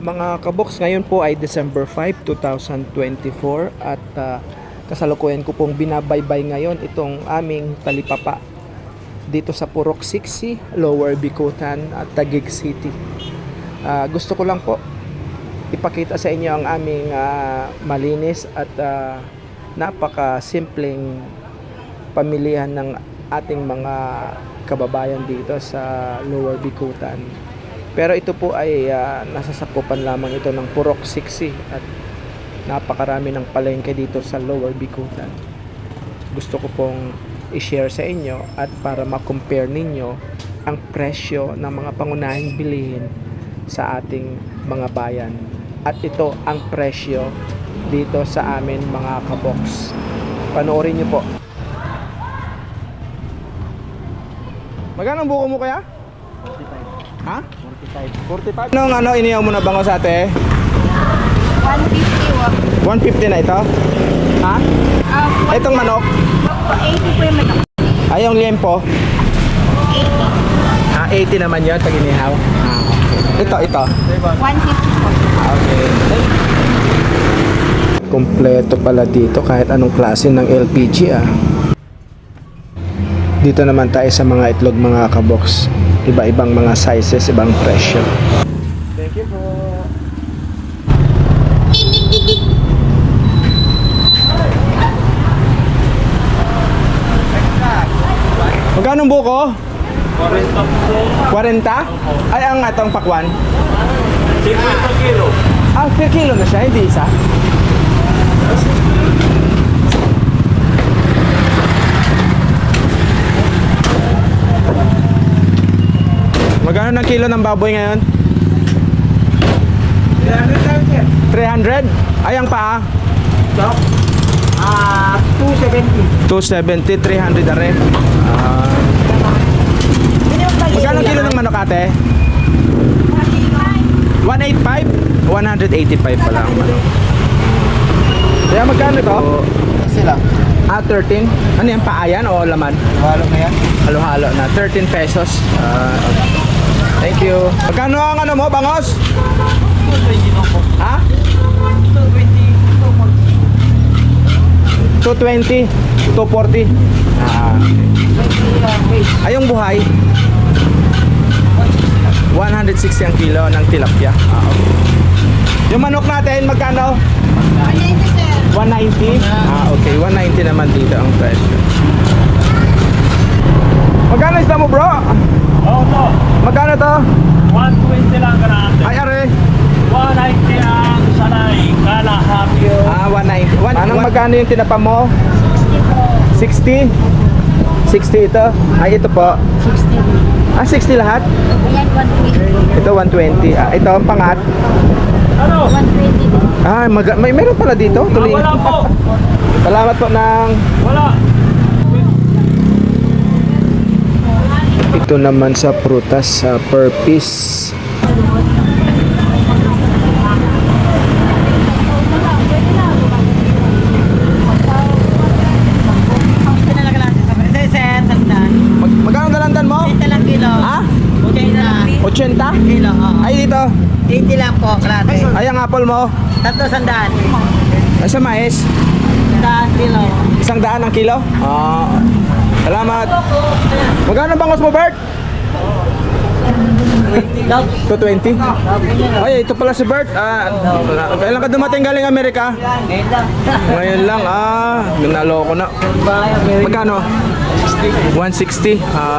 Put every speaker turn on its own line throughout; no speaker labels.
Mga kaboks, ngayon po ay December 5, 2024 at kasalukuyan ko pong binabaybay ngayon itong aming talipapa dito sa Purok 60, Lower Bicutan at Taguig City. Gusto ko lang po ipakita sa inyo ang aming malinis at napaka-simpleng pamilihan ng ating mga kababayan dito sa Lower Bicutan. Pero ito po ay nasasakupan lamang ito ng Purok 60 at napakarami ng palengke dito sa Lower Bicutan. Gusto ko pong i-share sa inyo at para ma-compare ninyo ang presyo ng mga pangunahing bilihin sa ating mga bayan. At ito ang presyo dito sa amin mga kaboks. Panoorin nyo po. Magkano ang buko mo kaya? 45. Ha? 45. Anong iniyaw mo na bango sa ate?
150
150 na ito? Ha? Itong manok?
80 po yung manok.
Ay, yung liempo?
80.
80 naman yun pag inihaw? Ito.
150 po.
Okay. Kompleto pala dito kahit anong klase ng LPG Dito naman tayo sa mga itlog mga kaboks. Iba-ibang mga sizes, ibang presyo. Thank you po. Magkano ang buko? 40. 40? Ay, ang atong pakwan?
50 kilo.
Per kilo na siya, hindi isa. Magkano ng kilo ng baboy ngayon? 300? Ay, ang paa?
270.
270, 300 na rin. Magkano kilo ng manok ate? 185? 185 pala ang manok. Kaya magkano ito?
Sila.
13? Ano yan? Paa yan o laman?
Halo na yan.
Halo-halo na. 13 pesos. Thank you. Magkano ang ano mo, bangos? Ha? 220. 240. Ay, yung buhay? 160 ang kilo ng tilapia. Okay. Yung manok natin, magkano? 190? Okay. 190 naman dito ang presyo. Magkano isda mo, bro?
Oo po.
Magkano to?
120 lang ka na.
Ay, are.
190 ang sanay. Kalahati.
190. Anong magkano yung tinapa mo? 60 po. 60? 60 ito? Ay, ito po.
60.
60 lahat?
Ayan, 120.
Ito 120. Ito ang pangat.
Ano?
120.
May meron pala dito. Tuloy.
Wala po.
Salamat po ng...
Wala.
Ito naman sa prutas per piece. Magkano dalandan mo?
80 lang kilo.
Ha?
80
80?
kilo.
Ay, dito.
80 lang po, klase.
Ay, ang apple mo.
300.
Ay, sa mais.
100 kilo.
100 ang kilo? Salamat. Magkano bangos mo, Bert? 220? Ay, ito pala si Bert. Kailan ka dumating galing Amerika? Ngayon lang. Naloko na. Magkano? 160.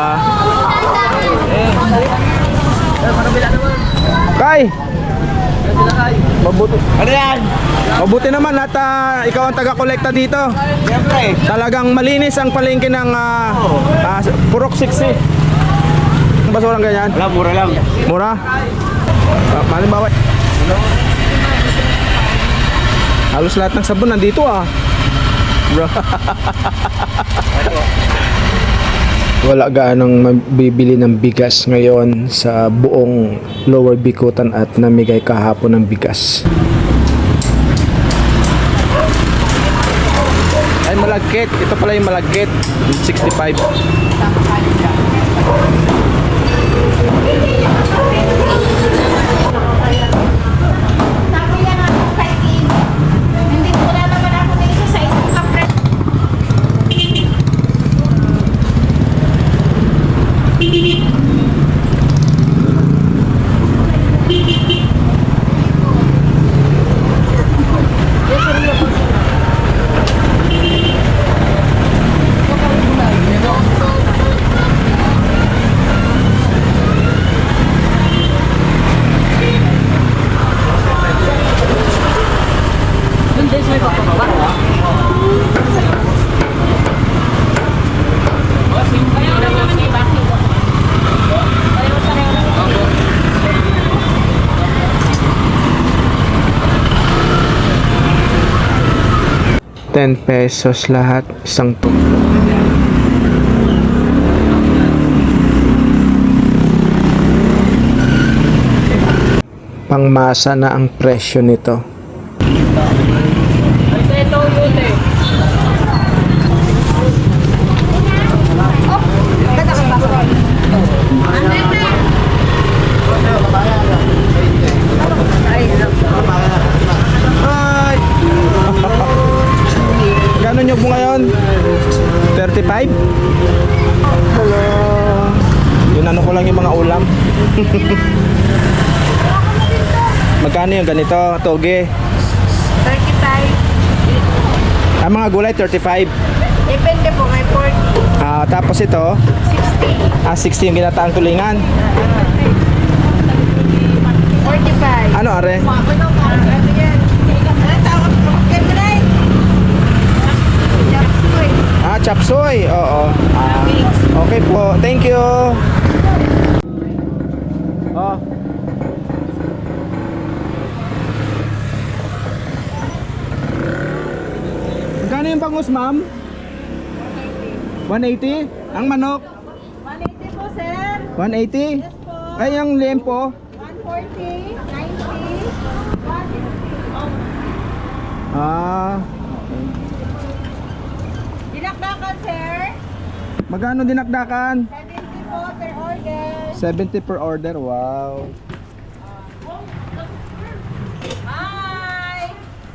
Kay! Mabuti.
Ano yan?
Mabuti naman at ikaw ang taga-kolekta dito.
Siyempre.
Talagang malinis ang palengke ng Purok 60. Ang basurang ganyan?
Wala, mura lang.
Mura? Malimbawa. Halos lahat ng sabon nandito Bro. Wala gaanong mabibili ng bigas ngayon sa buong Lower Bicutan at namigay kahapon ng bigas. Ay, malagkit. Ito pala yung malagkit. 65. 10 pesos lahat, isang tubo. Pangmasa na ang presyo nito. Hi! Gano'n nyo po ngayon? 35? Hello! Yun ano ko lang yung mga ulam. Magkano yung ganito? Toge?
35.
Ang mga gulay, 35.
Depende po, may 40.
Tapos ito,
60.
60 yung ginataang tulingan.
45.
Ano are?
Ano yan? Ano tawag po? Kemray. Chapsuy.
Chop suey. Oo. Okay po. Thank you. Oh. Magkano yung bangus, ma'am? 180? Ang manok?
180 po, sir.
180?
Yes po.
Ay, yung liempo?
140. 90.
Ah.
Dinakdakan, sir.
Magkano dinakdakan?
70 po per order.
70 per order. Wow.
Hi!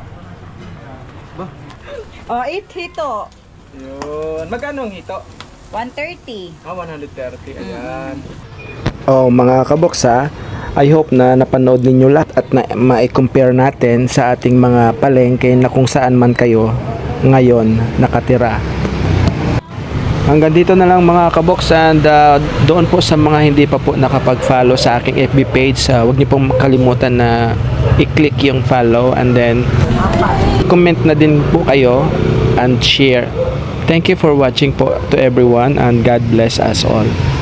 Oh, hito.
Yun. Magkano ang hito?
130.
130. Ayan. Oh, mga kaboksa, I hope na napanood ninyo lahat at na ma-compare natin sa ating mga palengke na kung saan man kayo ngayon nakatira. Hanggang dito na lang mga kaboks, and doon po sa mga hindi pa po nakapag-follow sa aking FB page, huwag niyo pong kalimutan na i-click yung follow and then comment na din po kayo and share. Thank you for watching po to everyone and God bless us all.